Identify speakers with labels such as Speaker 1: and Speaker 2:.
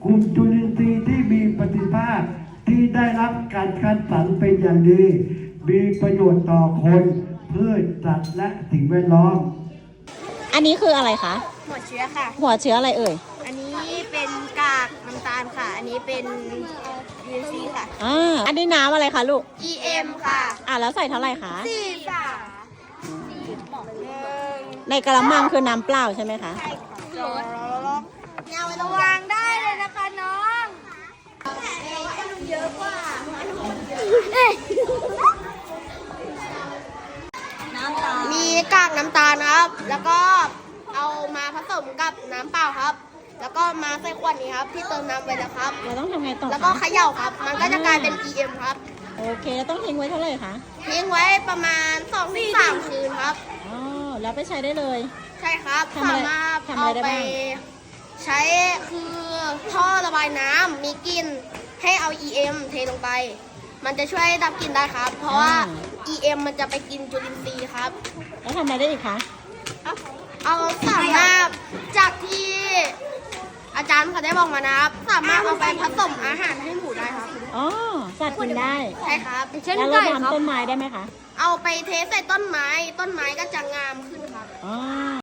Speaker 1: กลุ่มจุลินทรีย์ที่มีประสิทธิภาพที่ได้รับการคัดสรรเป็นอย่างดีมีประโยชน์ต่อคนพืชสัตว์และสิ่งแวดล้อม
Speaker 2: อันนี้คืออะไรคะ
Speaker 3: หัวเชื้อค่ะ
Speaker 2: หัวเชื้ออะไรเอ่ย
Speaker 3: อันนี้เป็นกากน้ำตาลค่ะ อันนี้เป็น UNC ค่ะ
Speaker 2: อันนี้น้ำอะไรคะลูก
Speaker 3: EM ค่ะ
Speaker 2: แล้วใส่เท่าไหร่คะ
Speaker 3: 4 ค่ะ
Speaker 2: ในกระมังคือน้ำเปล่าใช่ไหมคะ
Speaker 3: เงาระวางได้เลยนะคะน้องเยอะกว่ามีกากน้ำตาลครับ แล้วก็เอามาผสมกับน้ำเปล่าครับ แล้วก็มาใส่ขวดนี้ครับที่เติมน้ำไปแล้วครับ
Speaker 2: เราต้องทำไงต่อ
Speaker 3: แล้วก็
Speaker 2: คะ
Speaker 3: เขย่าครับ มันก็จะกลายเป็น EM ครับ
Speaker 2: โอเคแล้วต้องทิ้งไว้เท่าไหร่คะ
Speaker 3: ทิ้งไว้ประมาณ 2-3 คืนครับ
Speaker 2: แล้วไปใช้ได้เลย
Speaker 3: ใช่ครับ
Speaker 2: ทำอะไร
Speaker 3: สามารถ
Speaker 2: ทำอะไร
Speaker 3: เอา
Speaker 2: ได้
Speaker 3: ไป
Speaker 2: บ้าง
Speaker 3: ใช้คือท่อระบายน้ำมีกลิ่นให้เอา EM เทลงไป มันจะช่วยดับกลิ่นได้ครับ เพราะว่า EM มันจะไปกินจุลินทรีย์ครับ
Speaker 2: แล้วทำอะไรได้อีกคะ
Speaker 3: เอาสามารถจากที่อาจารย์เขาได้บอกมานะครับ สามารถเอาไปผสมอาหารให้หมูได้ครับ
Speaker 2: สัตว์กินได้
Speaker 3: ใช่ครับ
Speaker 2: แล้วเราทำต้นไม้ได้ไหมคะ
Speaker 3: เอาไปเทใส่ต้นไม้ ต้นไม้ก็จะงามขึ้นครับ